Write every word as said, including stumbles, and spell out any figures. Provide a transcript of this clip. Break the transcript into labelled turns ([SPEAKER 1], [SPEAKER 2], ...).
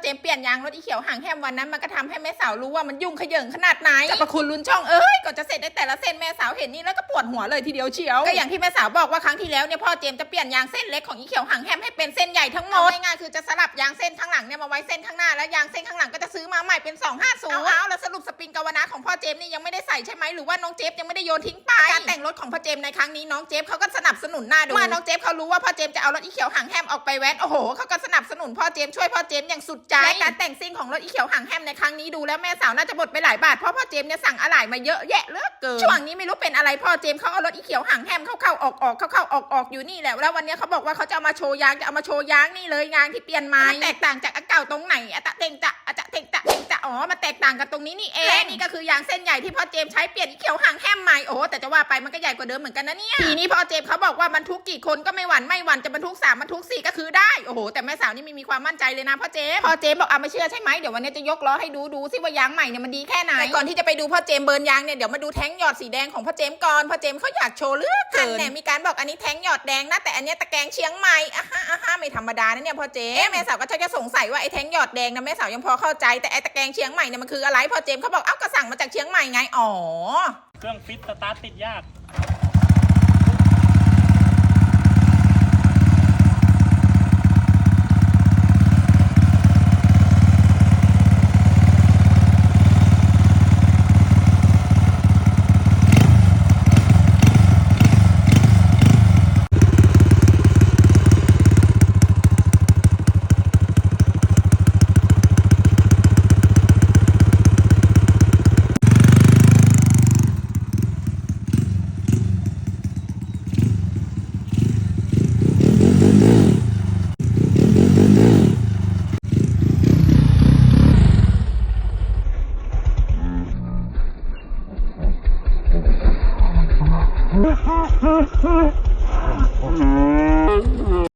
[SPEAKER 1] เจมเปลี่ยนยางรถอีเขียวห่างแฮมวันนั้นมันก็ทำให้แม่สาวรู้ว่ามันยุ่งขยิงขนาดไหนจะประคุณลุ้นช่องเอ้ยก่อนจะเสร็จได้แต่ละเส้นแม่สาวเห็นนี่แล้วก็ปวดหัวเลยทีเดียวเชียวก็อย่างที่แม่สาวบอกว่าครั้งที่แล้วเนี่ยพ่อเจมจะเปลี่ยนยางเส้นเล็กของอีเขียวห่างแฮมให้เป็นเส้นใหญ่ทั้งหมดง่ายๆคือจะสลับยางเส้นข้างหลังเนี่ยมาไว้เส้นข้างหน้าแล้วยางเส้นข้างหลังก็จะซื้อมาใหม่เป็นสองห้าศูนย์เอาแล้วสรุปสปริงกาวนาของพ่อเจมนี่ยังไม่ได้ใส่ใช่ไหมหรือว่าน้องเจฟยังไม่ได้โยนทิ้งไปการแต่งรถของพ่อเจมในครั้งนี้น้องเจฟเขาก็สนับสนุนหน้าดูเมื่อน้องเจฟเขารู้ว่าพ่อเจมจะเอารถอีเขียวห่างแฮมออกไปแว้นโอ้โหเขาก็สนับสนุนพ่อเจมช่วยพ่อเจมอย่างสุดใจและการแต่งซิ่งของรถอีเขียวห่างแฮมในครั้งนี้ดูแล้วแม่สาวน่าจะหมดไปหลายบาทเพราะพ่อเจมเนี่ยสั่งอะไหล่มาเยอะแยะเหลือเกินช่วงนี้ไม่รู้เป็นอะไรพ่อเจมเขาเอารถอีเขียวห่างแฮมเข้าๆออกๆเข้าๆออกๆอยู่นี่แหละแล้ววันนี้เขาบอกว่าเขาจะเอามาโชว์ยางจะเอามาโชว์ยางนี่เลยยางที่เปลี่ยนมาแตกต่างจากอันเก่าตรงไหนอะตะเต็งจะอะจะเต็งจะเต็งจะอ๋อมาแตกต่างกันตรงนี้นี่เองและนี่ก็คือยางเส้นใหญ่ที่พ่อเจมใช้เปลี่ยนอีเขียวห่างแฮมใหม่โอ้แต่จะว่าไปมันก็ใหญ่กว่าเดิมเหมือนกันนะเนี่ยทีนี้พ่อเจมเขาบอกว่าบรรทุกกี่คนก็ไม่หวั่นไม่หวั่นจะบรรทุกสามบรรทุกสี่ก็คือได้โอ้โหแต่แม่สาวนี่ไม่มีความมั่นใจเลยนะพ่อเจมพ่อเจมบอกอ่ะไม่เชื่อใช่ไหมเดี๋ยววันนี้จะยกล้อให้ดูดูซิว่ายางใหม่เนี่ยมันดีแค่ไหนแต่ก่อนที่จะไปดูพ่อเจมเบิร์นยางเนี่ยเดี๋ยวมาดูแท้งหยอดสีแดงของพ่อเจมก่อนพ่อเจมเขาอยากโชว์เลือกเกินเนี่ยมีการบอกอันนี้แท้งหยอดแดงนะแต่อันนี้ตะแกรงเชียงใหม่อ่ะฮะอ่ะฮะไม่ธรรมดานะเนี่ยพ่อเจมแม่สาวก็ชักจะสงสัยว่าไอ้แท้งหยอดแดงนะแม่สาวยังพอเข้าใจแต่ไอ้ตะแกรงเชียงใหม่เนี่ยมันคืออะไรพ่อเจมเขาบอกเอ้าก็สั่งมาจากเชียงใหม่ไงอ๋อ
[SPEAKER 2] เครื่องฟิตสตาร์ทติดยาก